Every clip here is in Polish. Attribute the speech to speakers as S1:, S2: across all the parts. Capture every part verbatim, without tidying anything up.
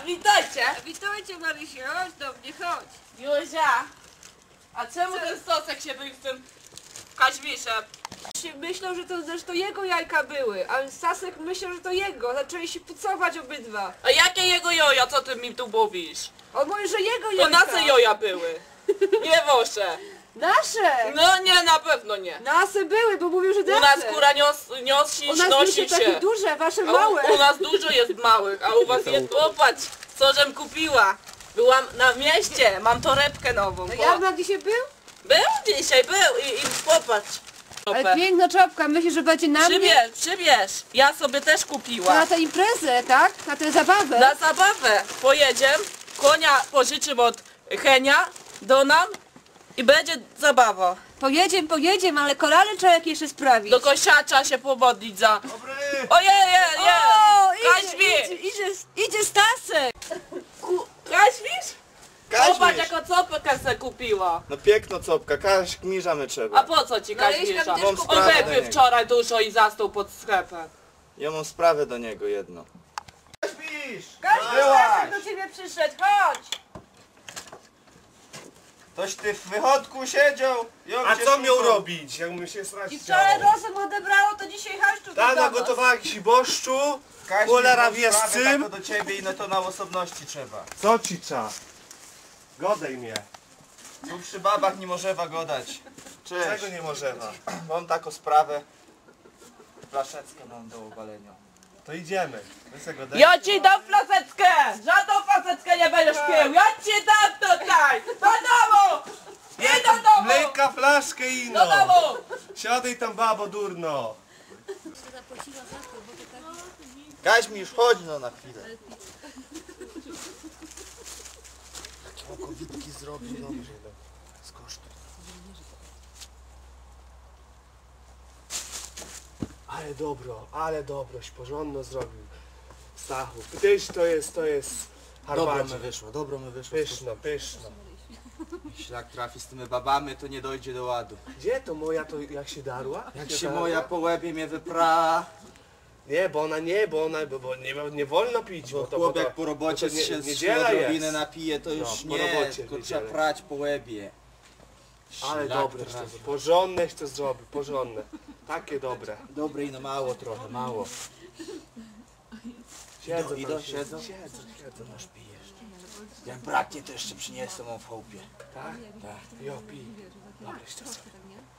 S1: witajcie!
S2: Witajcie Marysiu, chodź do mnie, chodź.
S1: Józia! A czemu
S2: Co?
S1: ten Stosek się był z tym Kaźmiszem?
S2: Myślał, że to zresztą jego jajka były, a Stasek myślał, że to jego. Zaczęli się pucować obydwa.
S1: A jakie jego joja, co ty mi tu mówisz?
S2: On mówi, że jego
S1: To
S2: jajka.
S1: nasze joja były. Nie wasze.
S2: Nasze!
S1: No nie, na pewno nie.
S2: Nasze były, bo mówił, że nasze.
S1: U nas kura nios, nosi,
S2: U nas
S1: nosi
S2: były takie
S1: się.
S2: duże, wasze
S1: A
S2: małe.
S1: u, u nas dużo jest małych, a u was jest... Popatrz, co żem kupiła. Byłam na mieście, mam torebkę nową.
S2: No
S1: Po-
S2: Jarmark dzisiaj był?
S1: Był dzisiaj, był i, i popatrz.
S2: Ale piękna czapka, myślisz, że będzie na mnie?
S1: Przybierz, przybierz. Ja sobie też
S2: To
S1: kupiłam.
S2: na tę imprezę, tak? Na tę zabawę?
S1: Na zabawę pojedziemy, konia pożyczymy od Henia do nam i będzie zabawa.
S2: Pojedziemy, pojedziemy, ale korale trzeba jakieś jeszcze sprawić.
S1: Do kosiacza się pomodlić za...
S3: Dobry!
S1: Ojej, je, je!
S2: O, idzie,
S1: Kaźmi!
S2: idzie, idzie, idzie Stasek!
S1: Ku... Kaźmisz? Popatrz,
S3: Kaźmisz!
S1: jaką copkę se kupiła.
S3: No piękno copka, każ gmiżamy
S1: A
S3: trzeba.
S1: po co ci
S2: No, ale
S1: Kaźmisza?
S2: jeśli tam
S3: Mam
S2: też
S3: sprawę
S1: On
S3: do
S1: wypił
S3: niego.
S1: wczoraj dużo i zastał pod sklepem.
S3: Ja mam sprawę do niego jedno. Kaźmisz!
S2: Kaźmi, Stasek do ciebie przyszedł, chodź!
S3: Toś ty w wychodku siedział. ją
S4: A
S3: cię
S4: co miał
S3: szukał.
S4: robić, jak mu się srać
S2: I wczoraj
S4: chciało?
S2: rozum odebrało, to dzisiaj haszczu
S4: Ta
S2: do was.
S4: nagotowała jakiś boszczu,
S3: Kaźmisz,
S4: cholera
S3: mam
S4: wie z
S3: sprawę
S4: czym.
S3: taką do ciebie i no to na osobności trzeba.
S4: Co ci cza? Godaj mnie.
S3: Tu przy babach nie możewa godać. Cześć.
S4: Czego nie możemy?
S3: Mam taką sprawę. Flaszeckę mam do obalenia.
S4: To idziemy. My se godaj.
S1: Ja ci dam flaseczkę! Żadną flaseczkę nie będziesz pił! Ja ci dam tutaj! Do domu! I do domu!
S4: Mleka, flaszkę i
S1: Do
S4: ino.
S1: domu!
S4: Siadaj tam, babo, durno.
S3: Kaźmisz, chodź no na chwilę. Okowitki zrobił dobrze. Skosztuj.
S4: Ale dobro, ale dobroś, porządno zrobił. Stachu, tyś to jest, to jest
S3: Dobro
S4: harbacie.
S3: mi wyszło, dobro mi wyszło.
S4: Pyszno, pyszno.
S3: Jeśli jak trafi z tymi babami, to nie dojdzie do ładu.
S4: Gdzie to moja, to jak się darła?
S3: Jak
S4: się
S3: się
S4: darła?
S3: moja po łebie mnie wypra...
S4: Nie, bo ona nie, bo ona, bo, bo nie, nie wolno pić, bo
S3: Bo
S4: to,
S3: chłop
S4: bo to,
S3: jak po robocie
S4: bo to nie,
S3: się z
S4: niedziela
S3: odrobiny
S4: jest.
S3: napije, to już
S4: No, po
S3: nie,
S4: robocie
S3: tylko
S4: w
S3: trzeba
S4: niedzielę.
S3: prać po łebie.
S4: Ale
S3: Szlak
S4: dobre to
S3: trafi.
S4: zrobił, porządne to zrobił, porządne. Takie dobre.
S3: Dobre i no mało trochę, mało.
S4: Siedzą
S3: Idą,
S4: tam,
S3: idą, siedzą?
S4: Siedzą, siedzą.
S3: Masz pijesz. Jak braknie, to jeszcze przyniosę mu w chałupie.
S4: Tak?
S3: Tak.
S4: Jo, pij. Dobre to zrobił.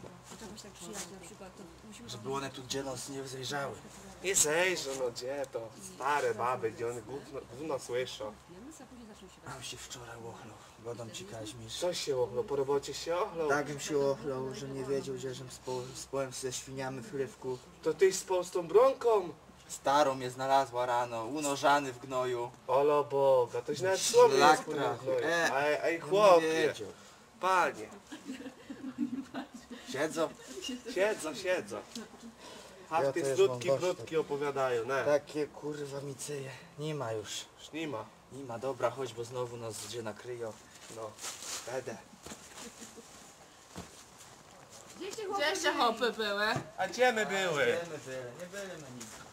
S3: Żeby one tu gdzie nas nie zajrzały.
S4: Nie zejrzą, no gdzie to? Stare baby, gdzie one gówno, gówno słyszą.
S3: Mam się wczoraj ochlał. Godą ci Kaźmisz.
S4: Co się ochlą? Po robocie się ochlą?
S3: Tak bym się ochlał, że nie wiedział, że żem spał, spałem ze świniami w chlewku.
S4: To tyś spał z tą bronką?
S3: Starą mnie znalazła rano, unożany w gnoju.
S4: Olo Boga, toś nawet słowy nie
S3: Szlak
S4: wspomniał.
S3: trafił. E,
S4: Ej, ej
S3: Nie
S4: chłopie,
S3: wiedział.
S4: panie,
S3: Siedzą?
S4: siedzą, siedzą.
S3: Ja
S4: Hafty
S3: też
S4: krótki,
S3: mam dość
S4: krótki opowiadają, ne?
S3: Takie kurwa miceje. Nie ma już.
S4: Już nie ma.
S3: Nie ma, dobra, chodź, bo znowu nas gdzie nakryją.
S4: No, będę.
S2: Gdzie się
S1: Gdzie jeszcze hopy były?
S4: A gdzie my były?
S3: Nie byli, nie byli na nic.